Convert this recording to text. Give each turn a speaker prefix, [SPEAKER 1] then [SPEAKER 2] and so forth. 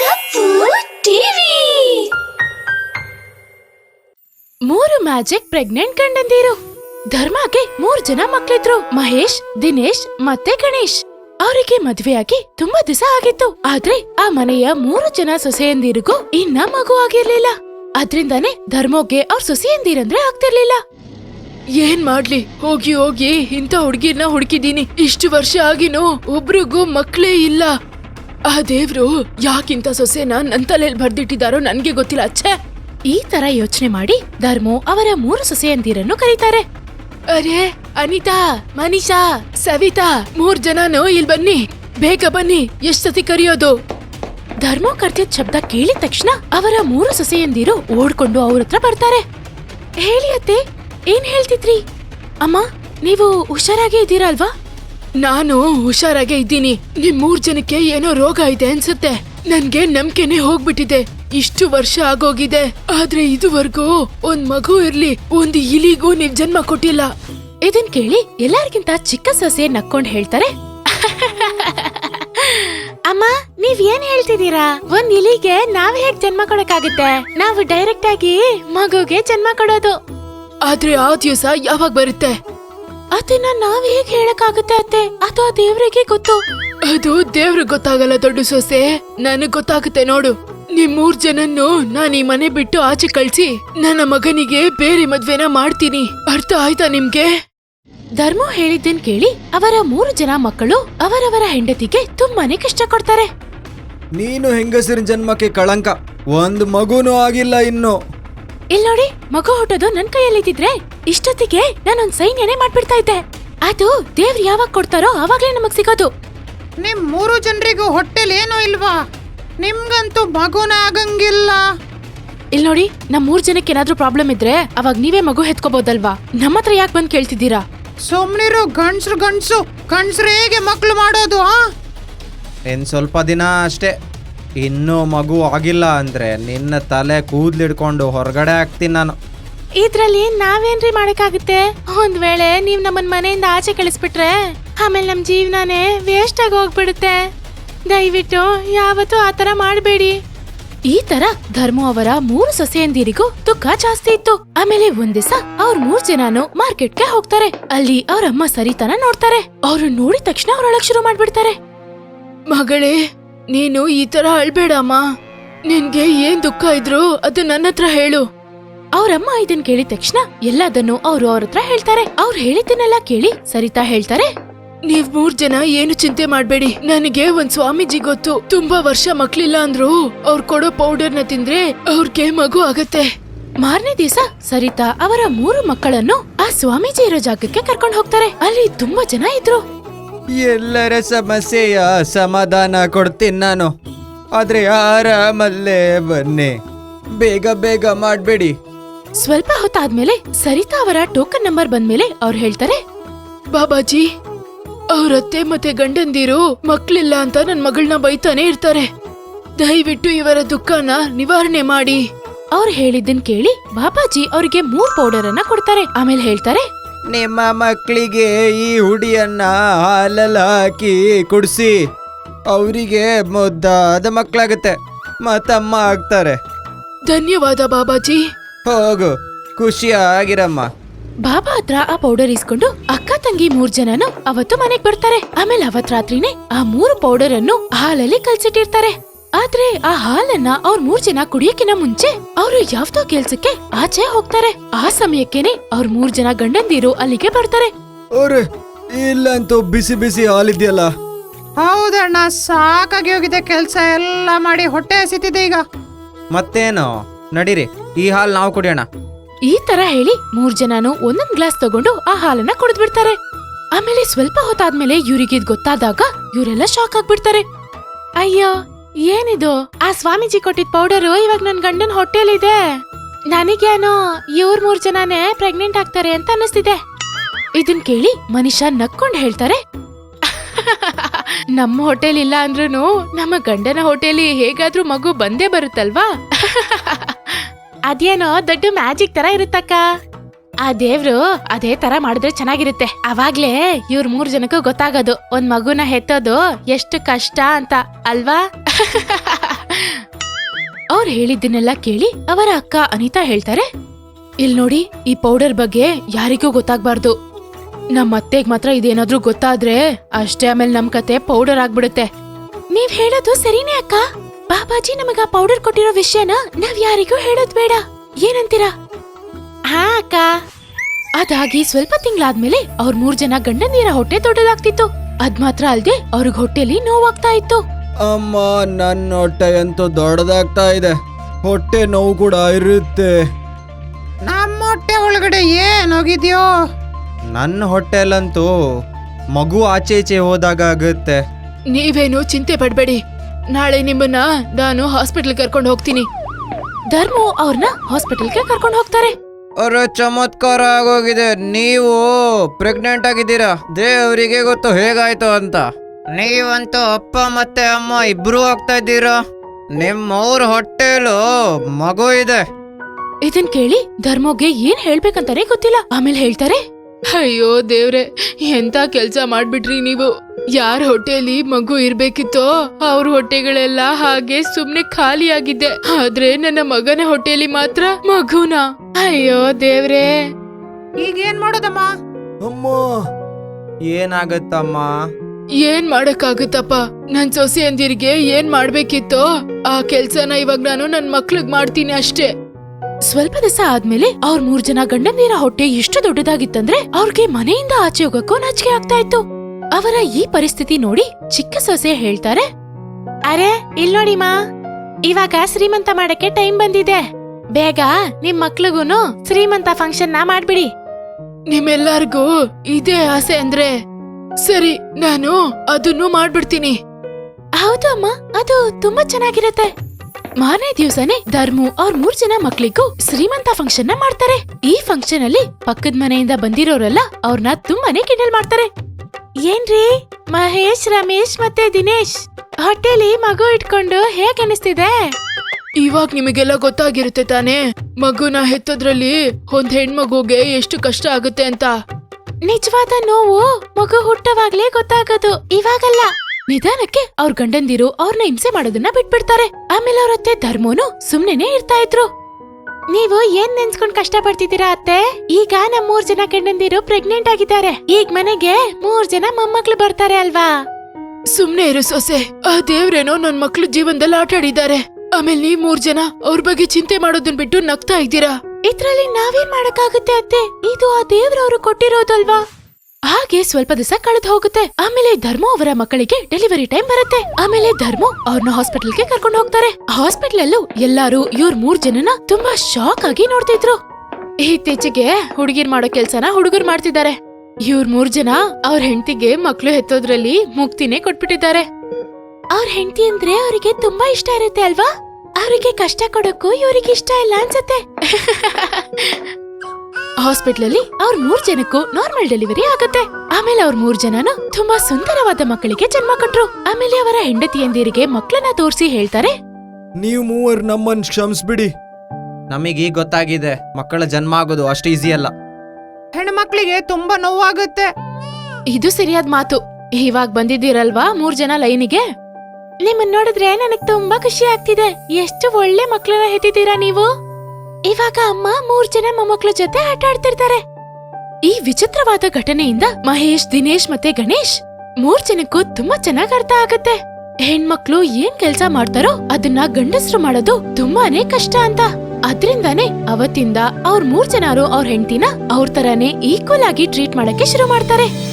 [SPEAKER 1] Kapoor TV. 3 magic pregnant ಗಂಡಂದಿರು. ಧರ್ಮಗೆ 3 ಜನ ಮಕ್ಳಿದ್ರು, ಮಹೇಶ್, ದಿನೇಶ್ ಮತ್ತೆ ಗಣೇಶ್. ಅವರಿಗೆ ಮದ್ವೆಯಾಗಿ ತುಂಬಾ ದಿವಸ ಆಗಿತ್ತು. ಆದ್ರೆ ಆ ಮನೆಯ 3 ಜನ ಸೊಸೆಯಂದಿರಿಗೂ ಇನ್ನ ಮಗು ಆಗಿರ್ಲಿಲ್ಲ. ಅದ್ರಿಂದಾನೇ ಧರ್ಮೋಗೆ ಅವ್ರ ಸೊಸೆಯಂದಿರಂದ್ರೆ ಆಗ್ತಿರ್ಲಿಲ್ಲ. ಏನ್ ಮಾಡ್ಲಿ, ಹೋಗಿ ಹೋಗಿ ಇಂಥ ಹುಡ್ಗಿರ್ನ ಹುಡುಕಿದೀನಿ. ಇಷ್ಟು ವರ್ಷ ಆಗಿನೂ ಒಬ್ರಿಗೂ ಮಕ್ಳೇ ಇಲ್ಲ. ಆ ದೇವ್ರು ಯಾಕಿಂತ ಸೊಸೆನ ನನ್ ತಲೆಯಲ್ಲಿ ಬರ್ದಿಟ್ಟಿದಾರೋ ನನ್ಗೆ ಗೊತ್ತಿಲ್ಲ. ಅಚ್ಚೆ, ಈ ತರ ಯೋಚನೆ ಮಾಡಿ ಧರ್ಮು ಅವರ 3 ಸೊಸೆಯಂದಿರನ್ನು ಕರೀತಾರೆ. ಅರೆ ಅನಿತಾ, ಮನೀಷಾ, ಸವಿತಾ, 3 ಜನನು ಇಲ್ ಬನ್ನಿ, ಬೇಗ ಬನ್ನಿ. ಎಷ್ಟ್ ಸತಿ ಕರೆಯೋದು? ಧರ್ಮು ಕರ್ತಿದ್ ಶಬ್ದ ಕೇಳಿದ ತಕ್ಷಣ ಅವರ 3 ಸೊಸೆಯಂದಿರು ಓಡ್ಕೊಂಡು ಅವ್ರ ಹತ್ರ ಬರ್ತಾರೆ. ಹೇಳಿ ಅತ್ತೆ, ಏನ್ ಹೇಳ್ತಿದ್ರಿ? ಅಮ್ಮ, ನೀವು ಹುಷಾರಾಗೇ ಇದ್ದೀರಾ ಅಲ್ವಾ? ನಾನು ಹುಷಾರಾಗೇ ಇದ್ದೀನಿ. ನಿಮ್ 3 ಜನಕ್ಕೆ ಏನೋ ರೋಗ ಇದೆ ಅನ್ಸುತ್ತೆ. ನನ್ಗೆ ನಂಬಿಕೆನೆ ಹೋಗ್ಬಿಟ್ಟಿದೆ. ಇಷ್ಟು ವರ್ಷ ಆಗೋಗಿದೆ, ಆದ್ರೆ ಇದುವರೆಗೂ ಒಂದ್ ಮಗು ಇರ್ಲಿ, ಒಂದ್ ಇಲಿಗೂ ನೀವ್ ಜನ್ಮ ಕೊಟ್ಟಿಲ್ಲ. ಇದನ್ ಕೇಳಿ ಎಲ್ಲರಿಗಿಂತ ಚಿಕ್ಕ ಸೊಸೆ ನಕ್ಕೊಂಡ್ ಹೇಳ್ತಾರೆ, ಅಮ್ಮ, ನೀವ್ ಏನ್ ಹೇಳ್ತಿದ್ದೀರಾ? ಒಂದ್ ಇಲಿಗೆ ನಾವ್ ಹೇಗ್ ಜನ್ಮ ಕೊಡಕ್ಕಾಗುತ್ತೆ? ನಾವು ಡೈರೆಕ್ಟ್ ಆಗಿ ಮಗುಗೆ ಜನ್ಮ ಕೊಡೋದು. ಆದ್ರೆ ಆ ದಿವಸ ಯಾವಾಗ ಬರುತ್ತೆ? ಅದನ್ನ ನಾವ್ ಹೇಗ್ ಹೇಳಕ್ಕಾಗುತ್ತೆ ಅತ್ತೆ? ಅದು ಆ ದೇವ್ರಿಗೆ ಗೊತ್ತು. ಅದು ದೇವ್ರಿಗೆ ಗೊತ್ತಾಗಲ್ಲ ದೊಡ್ಡ ಸೊಸೆ, ನನಗ್ ಗೊತ್ತಾಗುತ್ತೆ ನೋಡು. ನಿಮ್ 3 ಜನನ್ನು ನಾನ್ ಈ ಮನೆ ಬಿಟ್ಟು ಆಚೆ ಕಳ್ಸಿ ನನ್ನ ಮಗನಿಗೆ ಬೇರೆ ಮದ್ವೆನ ಮಾಡ್ತೀನಿ. ಅರ್ಥ ಆಯ್ತಾ ನಿಮ್ಗೆ? ಧರ್ಮ ಹೇಳಿದ್ದನ್ ಕೇಳಿ ಅವರ 3 ಜನ ಮಕ್ಕಳು ಅವರವರ ಹೆಂಡತಿಗೆ ತುಂಬಾನೇ ಕಷ್ಟ ಕೊಡ್ತಾರೆ.
[SPEAKER 2] ನೀನು ಹೆಂಗಸರಿನ ಜನ್ಮಕ್ಕೆ ಕಳಂಕ, ಒಂದ್ ಮಗುನೂ ಆಗಿಲ್ಲ ಇನ್ನು.
[SPEAKER 1] ಇಲ್ ನೋಡಿ, ಮಗು ಹುಟ್ಟೋದು ನನ್ ಕೈಯಲ್ಲಿದ್ದಿದ್ರೆ ಇಷ್ಟೊತ್ತಿಗೆ ನಾನೊಂದ್ ಸೈನ್ಯನೇ ಮಾಡ್ಬಿಡ್ತಾ ಇದ್ದೆ. ಅದು ದೇವ್ರು ಯಾವಾಗ ಕೊಡ್ತಾರೋ ಅವಾಗ್ಲೇ ನಮಗ್ ಸಿಗೋದು.
[SPEAKER 3] ನಿಮ್ 3 ಜನರಿಗೂ ಹೊಟ್ಟೆಲ್ ಏನೂ ಇಲ್ವಾ? ನಿಮ್ಗಂತೂ ಮಗುನ ಆಗಂಗಿಲ್ಲ.
[SPEAKER 1] ಇಲ್ ನೋಡಿ, ನಮ್ 3 ಜನಕ್ಕೆ ಏನಾದ್ರೂ ಪ್ರಾಬ್ಲಮ್ ಇದ್ರೆ ಅವಾಗ ನೀವೇ ಮಗು ಹೆತ್ಕೋಬಹುದಲ್ವಾ? ನಮ್ಮ ಹತ್ರ ಯಾಕೆ ಬಂದ್ ಕೇಳ್ತಿದ್ದೀರಾ?
[SPEAKER 3] ಸುಮ್ನಿರು, ಗಂಡ್ಸ್ರು ಹೇಗೆ ಮಕ್ಳು ಮಾಡೋದು?
[SPEAKER 2] ಇನ್ ಸ್ವಲ್ಪ ದಿನ ಅಷ್ಟೇ, ಇನ್ನೂ ಮಗು ಆಗಿಲ್ಲ ಅಂದ್ರೆ ನಿನ್ನ ತಲೆ ಕೂದ್ಲಿಡ್ಕೊಂಡು ಹೊರಗಡೆ ಹಾಕ್ತೀನಿ ನಾನು.
[SPEAKER 1] ಇದ್ರಲ್ಲಿ ನಾವೇನ್ರಿ ಮಾಡಕ್ಕಾಗುತ್ತೆ? ಒಂದ್ ವೇಳೆ ನೀವ್ ನಮ್ಮನ್ ಮನೆಯಿಂದ ಆಚೆ ಕಳಿಸ್ಬಿಟ್ರೆ ಆಮೇಲೆ ನಮ್ ಜೀವನನೇ ವೇಸ್ಟ್ ಆಗಿ ಹೋಗ್ಬಿಡುತ್ತೆ. ದಯವಿಟ್ಟು ಯಾವತ್ತೂ ಆತರ ಮಾಡ್ಬೇಡಿ. ಈ ತರ ಧರ್ಮ ಅವರ 3 ಸೊಸೆಯಂದಿರಿಗೂ ದುಃಖ ಜಾಸ್ತಿ ಇತ್ತು. ಆಮೇಲೆ ಒಂದ್ ದಿವಸ ಅವ್ರ 3 ಜನನು ಮಾರ್ಕೆಟ್ಗೆ ಹೋಗ್ತಾರೆ. ಅಲ್ಲಿ ಅವ್ರ ಅಮ್ಮ ಸರಿತಾನ ನೋಡ್ತಾರೆ. ಅವ್ರು ನೋಡಿದ ತಕ್ಷಣ ಅವ್ರ ಅಳಕ್ ಶುರು ಮಾಡ್ಬಿಡ್ತಾರೆ. ಮಗಳೇ, ನೀನು ಈ ತರ ಅಳ್ಬೇಡಮ್ಮ. ನಿನ್ಗೆ ಏನ್ ದುಃಖ ಇದ್ರು ಅದು ನನ್ನ ಹತ್ರ ಹೇಳು. ಅವ್ರಮ್ಮ ಇದನ್ ಕೇಳಿದ ತಕ್ಷಣ ಎಲ್ಲದನ್ನು ಅವ್ರ ಹತ್ರ ಹೇಳ್ತಾರೆ. ಅವ್ರು ಹೇಳಿದ್ದನ್ನೆಲ್ಲ ಕೇಳಿ ಸರಿತಾ ಹೇಳ್ತಾರೆ, ನೀವ್ 3 ಜನ ಏನು ಚಿಂತೆ ಮಾಡ್ಬೇಡಿ. ನನಗೆ ಒಂದ್ ಸ್ವಾಮೀಜಿ ಗೊತ್ತು. ತುಂಬಾ ವರ್ಷ ಮಕ್ಳಿಲ್ಲ ಅಂದ್ರು ಅವ್ರು ಕೊಡೋ ಪೌಡರ್ನ ತಿಂದ್ರೆ ಅವ್ರಿಗೆ ಮಗು ಆಗತ್ತೆ. ಮಾರನೇ ದಿವಸ ಸರಿತಾ ಅವರ 3 ಮಕ್ಕಳನ್ನು ಆ ಸ್ವಾಮೀಜಿ ಇರೋ ಜಾಗಕ್ಕೆ ಕರ್ಕೊಂಡು ಹೋಗ್ತಾರೆ. ಅಲ್ಲಿ ತುಂಬಾ ಜನ ಇದ್ರು.
[SPEAKER 2] ಎಲ್ಲರ ಸಮಸ್ಯೆಯ ಸಮಾಧಾನ ಕೊಡ್ತೀನಿ ನಾನು, ಆದ್ರೆ ಆರಾಮಲ್ಲೇ ಬನ್ನಿ, ಬೇಗ ಮಾಡ್ಬೇಡಿ.
[SPEAKER 1] ಸ್ವಲ್ಪ ಹೊತ್ತಾದ್ಮೇಲೆ ಸರಿತಾ ಅವರ ಟೋಕನ್ ನಂಬರ್ ಬಂದ್ಮೇಲೆ ಅವ್ರು ಹೇಳ್ತಾರೆ, ಬಾಬಾಜಿ, ಅವ್ರತ್ತೆ ಮತ್ತೆ ಗಂಡಂದಿರು ಮಕ್ಳಿಲ್ಲ ಅಂತ ನನ್ ಮಗಳನ್ನ ಬೈತಾನೆ ಇರ್ತಾರೆ. ದಯವಿಟ್ಟು ಇವರ ದುಃಖನ ನಿವಾರಣೆ ಮಾಡಿ. ಅವ್ರು ಹೇಳಿದ್ದನ್ ಕೇಳಿ ಬಾಬಾಜಿ ಅವ್ರಿಗೆ 3 ಪೌಡರ್ ಅನ್ನ ಕೊಡ್ತಾರೆ. ಆಮೇಲೆ ಹೇಳ್ತಾರೆ,
[SPEAKER 2] ನಿಮ್ಮ ಮಕ್ಕಳಿಗೆ ಈ ಹುಡಿಯನ್ನ ಹಾಲಲ್ಲಿ ಹಾಕಿ ಕುಡಿಸಿ, ಅವರಿಗೆ ಮುದ್ದಾದ ಮಕ್ಕಳಾಗತ್ತೆ, ಮತ್ತಮ್ಮ ಆಗ್ತಾರೆ.
[SPEAKER 1] ಧನ್ಯವಾದ ಬಾಬಾಜಿ.
[SPEAKER 2] ಹೋಗು, ಖುಷಿಯಾಗಿರಮ್ಮ.
[SPEAKER 1] ಬಾಬಾ ಹತ್ರ ಆ ಪೌಡರ್ ಇಸ್ಕೊಂಡು ಅಕ್ಕ ತಂಗಿ 3 ಜನನು ಅವತ್ತು ಮನೆಗ್ ಬರ್ತಾರೆ. ಆಮೇಲೆ ಅವತ್ ರಾತ್ರಿನೇ ಆ 3 ಪೌಡರ್ ಅನ್ನು ಹಾಲಲ್ಲಿ ಕಲ್ಸಿಟ್ಟಿರ್ತಾರೆ. ಆದ್ರೆ ಆ ಹಾಲನ್ನ ಅವ್ರ 3 ಜನ ಕುಡಿಯಕ್ಕಿನ ಮುಂಚೆ ಅವ್ರು ಯಾವ್ದೋ ಕೆಲ್ಸಕ್ಕೆ ಆಚೆ ಹೋಗ್ತಾರೆ. ಆ ಸಮಯಕ್ಕೇನೆ ಅವ್ರ 3 ಜನ ಗಂಡಂದಿರು ಅಲ್ಲಿಗೆ ಬರ್ತಾರೆ.
[SPEAKER 2] ಅವ್ರೆ, ಇಲ್ಲಂತೂ ಬಿಸಿ ಬಿಸಿ ಹಾಲಿದ್ಯಲ್ಲ.
[SPEAKER 3] ಹೌದಣ್ಣ, ಸಾಕಾಗಿ ಹೋಗಿದೆ. ಕೆಲ್ಸ ಎಲ್ಲ ಮಾಡಿ ಹೊಟ್ಟೆ ಹಸಿತಿದೆ ಈಗ.
[SPEAKER 2] ಮತ್ತೇನು, ನಡೀರಿ, ಈ ಹಾಲು ನಾವು ಕುಡಿಯೋಣ.
[SPEAKER 1] ಈ ತರ ಹೇಳಿ 3 ಜನನು ಒಂದೊಂದ್ ಗ್ಲಾಸ್ ತಗೊಂಡು ಆ ಹಾಲನ್ನ ಕುಡಿದ್ಬಿಡ್ತಾರೆ. ಆಮೇಲೆ ಸ್ವಲ್ಪ ಹೊತ್ತಾದ್ಮೇಲೆ ಇವ್ರಿಗಿದ್ ಗೊತ್ತಾದಾಗ ಇವರೆಲ್ಲ ಶಾಕ್ ಆಗ್ಬಿಡ್ತಾರೆ. ಅಯ್ಯೋ, ಏನಿದು? ಆ ಸ್ವಾಮೀಜಿ ಕೊಟ್ಟಿದ್ ಪೌಡರು ಇವಾಗ ನನ್ ಗಂಡನ್ ಹೊಟ್ಟೆಲಿದೆ. ನನಗೇನೋ ಇವ್ರ 3 ಜನನೇ ಪ್ರೆಗ್ನೆಂಟ್ ಆಗ್ತಾರೆ ಅಂತ ಅನ್ನಿಸ್ತಿದೆ. ಇದನ್ ಕೇಳಿ ಮನುಷ್ಯ ನಕ್ಕೊಂಡ್ ಹೇಳ್ತಾರೆ, ನಮ್ಮ ಹೋಟೆಲ್ ಇಲ್ಲ ಅಂದ್ರೂ ನಮ್ಮ ಗಂಡನ ಹೋಟೆಲಿ ಹೇಗಾದ್ರೂ ಮಗು ಬಂದೇ ಬರುತ್ತಲ್ವಾ? ಅದೇನೋ ದೊಡ್ಡ ಮ್ಯಾಜಿಕ್ ತರ ಇರುತ್ತಕ್ಕ. ಆ ದೇವ್ರು ಅದೇ ತರ ಮಾಡಿದ್ರೆ ಚೆನ್ನಾಗಿರುತ್ತೆ. ಅವಾಗ್ಲೇ ಇವ್ರ 3 ಜನಕ್ಕೂ ಗೊತ್ತಾಗೋದು ಒಂದ್ ಮಗುನ ಹೆತ್ತೋದು ಎಷ್ಟು ಕಷ್ಟ ಅಂತ, ಅಲ್ವಾ? ಅವ್ರು ಹೇಳಿದ್ದನ್ನೆಲ್ಲ ಕೇಳಿ ಅವರ ಅಕ್ಕ ಅನಿತಾ ಹೇಳ್ತಾರೆ, ಇಲ್ ನೋಡಿ, ಈ ಪೌಡರ್ ಬಗ್ಗೆ ಯಾರಿಗೂ ಗೊತ್ತಾಗ್ಬಾರ್ದು. ನಮ್ ಅತ್ತೆಗ್ ಮಾತ್ರ ಇದೇನಾದ್ರೂ ಗೊತ್ತಾದ್ರೆ ಅಷ್ಟೇ, ಆಮೇಲೆ ನಮ್ ಕತೆ ಪೌಡರ್ ಆಗ್ಬಿಡುತ್ತೆ. ನೀವ್ ಹೇಳೋದು ಸರಿನೇ ಅಕ್ಕ. ಬಾಬಾಜಿ ನಮಗ ಪೌಡರ್ ಕೊಟ್ಟಿರೋ ವಿಷಯನ ನಾವ್ ಯಾರಿಗೂ ಹೇಳೋದ್ ಬೇಡ, ಏನಂತೀರಾ? ಹಾ ಅಕ್ಕ. ಅದಾಗಿ ಸ್ವಲ್ಪ ತಿಂಗಳಾದ್ಮೇಲೆ ಅವ್ರ 3 ಜನ ಗಂಡಂದಿರ ಹೊಟ್ಟೆ ದೊಡ್ಡದಾಗ್ತಿತ್ತು. ಅದ್ ಮಾತ್ರ ಅಲ್ದೆ ಅವ್ರಿಗೆ ಹೊಟ್ಟೆಲಿ ನೋವಾಗ್ತಾ ಇತ್ತು.
[SPEAKER 2] ಅಮ್ಮ, ನನ್ನ ಹೊಟ್ಟೆ ಅಂತೂ ದೊಡ್ಡದಾಗ್ತಾ ಇದೆ, ಹೊಟ್ಟೆ ನೋವು ಕೂಡ ಇರುತ್ತೆ.
[SPEAKER 3] ನಮ್ಮ ಹೊಟ್ಟೆ ಒಳಗಡೆ ಏನೋಗಿದ್ಯೋ?
[SPEAKER 2] ನನ್ನ ಹೊಟ್ಟೆಲಂತೂ ಮಗು ಆಚೆ ಈಚೆ ಹೋದಾಗ ಆಗುತ್ತೆ.
[SPEAKER 1] ನೀವೇನು ಚಿಂತೆ ಪಡ್ಬೇಡಿ, ನಾಳೆ ನಿಮ್ಮನ್ನ ನಾನು ಹಾಸ್ಪಿಟಲ್ ಕರ್ಕೊಂಡು ಹೋಗ್ತೀನಿ. ಧರ್ಮು ಅವ್ರನ್ನ ಹಾಸ್ಪಿಟಲ್ಗೆ ಕರ್ಕೊಂಡು ಹೋಗ್ತಾರೆ.
[SPEAKER 2] ಅರೆ, ಚಮತ್ಕಾರ ಆಗೋಗಿದೆ. ನೀವು ಪ್ರೆಗ್ನೆಂಟ್ ಆಗಿದ್ದೀರಾ, ದೇವರಿಗೆ ಗೊತ್ತು ಹೇಗಾಯ್ತು ಅಂತ. ನೀವಂತೂ ಅಪ್ಪ ಮತ್ತೆ ಅಮ್ಮ ಇಬ್ರು ಹೋಗ್ತಾ ಇದ್ದೀರಾ. ನಿಮ್ಮವ್ರ ಹೊಟ್ಟೆಲು ಮಗು ಇದೆ.
[SPEAKER 1] ಇದನ್ ಕೇಳಿ ಧರ್ಮೋಗೆ ಏನ್ ಹೇಳ್ಬೇಕಂತಾನೆ ಗೊತ್ತಿಲ್ಲ. ಆಮೇಲೆ ಹೇಳ್ತಾರೆ, ಅಯ್ಯೋ ದೇವ್ರೆ, ಎಂತ ಕೆಲ್ಸ ಮಾಡ್ಬಿಟ್ರಿ ನೀವು. ಯಾರ ಹೊಟ್ಟೆಲಿ ಮಗು ಇರ್ಬೇಕಿತ್ತೋ ಅವ್ರ ಹೊಟ್ಟೆಗಳೆಲ್ಲ ಹಾಗೆ ಸುಮ್ನೆ ಖಾಲಿ ಆಗಿದ್ದೆ, ಆದ್ರೆ ನನ್ನ ಮಗನ ಹೊಟ್ಟೆಲಿ ಮಾತ್ರ ಮಗುನ. ಅಯ್ಯೋ ದೇವ್ರೆ,
[SPEAKER 3] ಈಗೇನ್ ಮಾಡೋದಮ್ಮ?
[SPEAKER 2] ಅಮ್ಮ, ಏನಾಗತ್ತಮ್ಮ?
[SPEAKER 1] ಏನ್ ಮಾಡಕ್ಕಾಗತ್ತಪ್ಪ, ನನ್ ಸೊಸೆ ಅಂದಿರಿಗೆ ಏನ್ ಮಾಡ್ಬೇಕಿತ್ತೋ ಆ ಕೆಲ್ಸನ ಇವಾಗ ನಾನು ನನ್ ಮಕ್ಳಿಗ್ ಮಾಡ್ತೀನಿ ಅಷ್ಟೇ. ಸ್ವಲ್ಪ ದಿವಸ ಆದ್ಮೇಲೆ ಅವ್ರ 3 ಜನ ಗಂಡಂದಿರ ಹೊಟ್ಟೆ ಎಷ್ಟು ದೊಡ್ಡದಾಗಿತ್ತಂದ್ರೆ ಅವ್ರಿಗೆ ಮನೆಯಿಂದ ಆಚೆ ಹೋಗಕ್ಕೂ ನಾಚಿಕೆ ಆಗ್ತಾ ಇತ್ತು. ಅವರ ಈ ಪರಿಸ್ಥಿತಿ ನೋಡಿ ಚಿಕ್ಕ ಸೊಸೆ ಹೇಳ್ತಾರೆ, ಅರೆ ಇಲ್ ನೋಡಿ ಮಾ, ಇವಾಗ ಶ್ರೀಮಂತ ಮಾಡಕ್ಕೆ ಟೈಮ್ ಬಂದಿದೆ. ಬೇಗ ನಿಮ್ ಮಕ್ಳಿಗೂನು ಶ್ರೀಮಂತ ಫಂಕ್ಷನ್ ನ ಮಾಡ್ಬಿಡಿ. ನಿಮ್ಮೆಲ್ಲರಿಗೂ ಇದೇ ಆಸೆ ಅಂದ್ರೆ ಸರಿ, ನಾನು ಅದನ್ನು ಮಾಡ್ಬಿಡ್ತೀನಿ. ಹೌದು ಅಮ್ಮ, ಅದು ತುಂಬಾ ಚೆನ್ನಾಗಿರತ್ತೆ. ಮಾರನೇ ದಿವಸನೇ ಧರ್ಮು ಅವ್ರ 3 ಜನ ಮಕ್ಳಿಗೂ ಶ್ರೀಮಂತ ಫಂಕ್ಷನ್ ನ ಮಾಡ್ತಾರೆ. ಈ ಫಂಕ್ಷನ್ ಅಲ್ಲಿ ಪಕ್ಕದ ಮನೆಯಿಂದ ಬಂದಿರೋರೆಲ್ಲ ಅವ್ರನ್ನ ತುಂಬಾನೇ ಕಿಂಡಲ್ ಮಾಡ್ತಾರೆ. ಏನ್ರಿ ಮಹೇಶ್, ರಮೇಶ್ ಮತ್ತೆ ದಿನೇಶ್ ಹೊಟ್ಟೆಲಿ ಮಗು ಇಟ್ಕೊಂಡು ಹೇಗ್ ಅನಿಸ್ತಿದೆ? ಇವಾಗ ನಿಮಗೆಲ್ಲ ಗೊತ್ತಾಗಿರುತ್ತೆ ತಾನೇ, ಮಗುನ ಹೆತ್ತೋದ್ರಲ್ಲಿ ಒಂದ್ ಹೆಣ್ಮಗುಗೆ ಎಷ್ಟು ಕಷ್ಟ ಆಗುತ್ತೆ ಅಂತ. ನಿಜವಾದ ನೋವು ಮಗು ಹುಟ್ಟವಾಗ್ಲೇ ಗೊತ್ತಾಗೋದು, ಇವಾಗಲ್ಲ. ನಿಧಾನಕ್ಕೆ ಅವ್ರ ಗಂಡಂದಿರು ಅವ್ರನ್ನ ಹಿಂಸೆ ಮಾಡೋದನ್ನ ಬಿಟ್ಬಿಡ್ತಾರೆ. ಆಮೇಲೆ ಅವ್ರ ಅತ್ತೆ ಧರ್ಮೋನು ಸುಮ್ನೆನೆ ಇರ್ತಾ ಇದ್ರು. ನೀವು ಏನ್ ನೆನ್ಸ್ಕೊಂಡ್ ಕಷ್ಟ ಪಡ್ತಿದ್ದೀರಾ ಅತ್ತೆ? ಈಗ ನಮ್ 3 ಜನ ಗಂಡಂದಿರು ಪ್ರೆಗ್ನೆಂಟ್ ಆಗಿದ್ದಾರೆ. ಈಗ ಮನೆಗೆ 3 ಜನ ಮೊಮ್ಮಕ್ಳು ಬರ್ತಾರೆ ಅಲ್ವಾ? ಸುಮ್ನೆ ಇರು ಸೊಸೆ, ಆ ದೇವ್ರೇನೋ ನನ್ ಮಕ್ಳು ಜೀವನದಲ್ಲಿ ಆಟ ಆಡಿದ್ದಾರೆ. ಆಮೇಲೆ ನೀವ್ 3 ಜನ ಅವ್ರ ಬಗ್ಗೆ ಚಿಂತೆ ಮಾಡೋದನ್ ಬಿಟ್ಟು ನಗ್ತಾ ಇದ್ದೀರಾ. ಇದ್ರಲ್ಲಿ ನಾವೇನ್ ಮಾಡಕ್ಕಾಗುತ್ತೆ ಅತ್ತೆ, ಇದು ಆ ದೇವ್ರವ್ರು ಕೊಟ್ಟಿರೋದಲ್ವಾ? ಹಾಗೆ ಸ್ವಲ್ಪ ದಿವಸ ಕಳೆದು ಹೋಗುತ್ತೆ. ಆಮೇಲೆ ಧರ್ಮ ಅವರ ಮಕ್ಕಳಿಗೆ ಡೆಲಿವರಿ ಟೈಮ್ ಬರುತ್ತೆ. ಆಮೇಲೆ ಧರ್ಮ ಅವ್ರನ್ನ ಹಾಸ್ಪಿಟಲ್ಗೆ ಕರ್ಕೊಂಡು ಹೋಗ್ತಾರೆ. ಹಾಸ್ಪಿಟಲ್ ಅಲ್ಲೂ ಎಲ್ಲಾರು ಇವ್ರ 3 ಜನನ ತುಂಬಾ ಶಾಕ್ ಆಗಿ ನೋಡ್ತಿದ್ರು. ಇತ್ತೀಚೆಗೆ ಹುಡುಗಿರ್ ಮಾಡೋ ಕೆಲ್ಸನ ಹುಡುಗರು ಮಾಡ್ತಿದ್ದಾರೆ. ಇವ್ರ 3 ಜನ ಅವ್ರ ಹೆಂಡತಿಗೆ ಮಕ್ಳು ಹೆತ್ತೋದ್ರಲ್ಲಿ ಮುಕ್ತಿನೇ ಕೊಟ್ಬಿಟ್ಟಿದ್ದಾರೆ. ಅವ್ರ ಹೆಂಡತಿ ಅಂದ್ರೆ ಅವರಿಗೆ ತುಂಬಾ ಇಷ್ಟ ಇರುತ್ತೆ ಅಲ್ವಾ? ಅವರಿಗೆ ಕಷ್ಟ ಕೊಡಕ್ಕೂ ಇವ್ರಿಗೆ ಇಷ್ಟ ಇಲ್ಲ ಅನ್ಸತ್ತೆ. ಹಾಸ್ಪಿಟಲ್ ಅಲ್ಲಿ ಅವ್ರ 3 ಜನಕ್ಕೂ ನಾರ್ಮಲ್ ಡೆಲಿವರಿ ಆಗುತ್ತೆ. ಆಮೇಲೆ ಅವ್ರ 3 ಜನನು ತುಂಬಾ ಸುಂದರವಾದ ಮಕ್ಕಳಿಗೆ ಜನ್ಮ ಕೊಟ್ರು. ಆಮೇಲೆ ಅವರ ಹೆಂಡತಿಯಂದಿರಿಗೆ ಮಕ್ಕಳನ್ನ ತೋರಿಸಿ ಹೇಳ್ತಾರೆ,
[SPEAKER 2] ನೀವು 3 ನಮ್ಮನ್ ಕ್ಷಮಿಸ್ಬಿಡಿ. ನಮಗೀಗ ಗೊತ್ತಾಗಿದೆ, ಮಕ್ಕಳ ಜನ್ಮ ಆಗೋದು ಅಷ್ಟು ಈಸಿ ಅಲ್ಲ.
[SPEAKER 3] ಹೆಣ್ಮಕ್ಳಿಗೆ ತುಂಬಾ ನೋವಾಗುತ್ತೆ.
[SPEAKER 1] ಇದು ಸರಿಯಾದ ಮಾತು. ಇವಾಗ ಬಂದಿದ್ದೀರಲ್ವಾ 3 ಜನ ಲೈನಿಗೆ, ನಿಮ್ಮನ್ನ ನೋಡಿದ್ರೆ ನನಗ್ ತುಂಬಾ ಖುಷಿ ಆಗ್ತಿದೆ. ಎಷ್ಟು ಒಳ್ಳೆ ಮಕ್ಕಳನ್ನ ಹೆತ್ತಿದ್ದೀರಾ ನೀವು. ಇವಾಗ ಅಮ್ಮ 3 ಜನ ಮೊಮ್ಮಕ್ಳ ಜೊತೆ ಆಟ ಆಡ್ತಿರ್ತಾರೆ. ಈ ವಿಚಿತ್ರವಾದ ಘಟನೆಯಿಂದ ಮಹೇಶ್, ದಿನೇಶ್ ಮತ್ತೆ ಗಣೇಶ್ 3 ಜನಕ್ಕೂ ತುಂಬಾ ಚೆನ್ನಾಗ್ ಅರ್ಥ ಆಗತ್ತೆ. ಹೆಣ್ಮಕ್ಳು ಏನ್ ಕೆಲ್ಸ ಮಾಡ್ತಾರೋ ಅದನ್ನ ಗಂಡಸ್ರು ಮಾಡೋದು ತುಂಬಾನೇ ಕಷ್ಟ ಅಂತ. ಅದ್ರಿಂದಾನೇ ಅವತ್ತಿಂದ ಅವ್ರ 3 ಜನರು ಅವ್ರ ಹೆಂಡತಿನ ಅವ್ರ ತರಾನೇ ಈಕ್ವಲ್ ಆಗಿ ಟ್ರೀಟ್ ಮಾಡಕ್ಕೆ ಶುರು ಮಾಡ್ತಾರೆ.